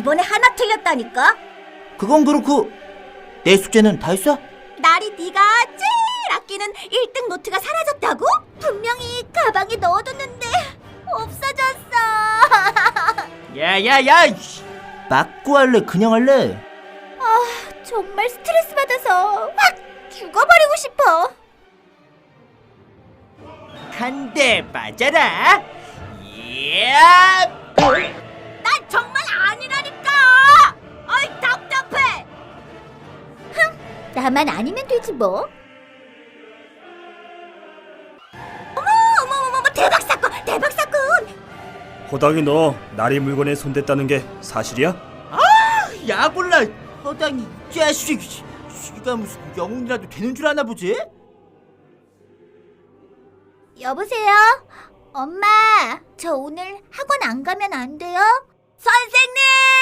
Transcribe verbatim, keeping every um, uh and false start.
이번에 하나 틀렸다니까? 그건 그렇고 내 숙제는 다 했어? 날이 네가 제일 아끼는 일 등 노트가 사라졌다고? 분명히 가방에 넣어뒀는데 없어졌어. 야야야! 맞고 할래 그냥 할래? 아, 정말 스트레스 받아서 확 죽어버리고 싶어. 한 대 맞아라! 이야! 난 정말 아니라니까! 어이, 답답해! 흥, 나만 아니면 되지 뭐. 어머, 어머, 어머, 어머, 대박 사건, 대박 사건! 호당이 너 나리 물건에 손댔다는 게 사실이야? 야골라 허당이 이 자식! 쥐가 무슨 영웅이라도 되는 줄 아나 보지? 여보세요? 엄마, 저 오늘 학원 안 가면 안 돼요? 선생님!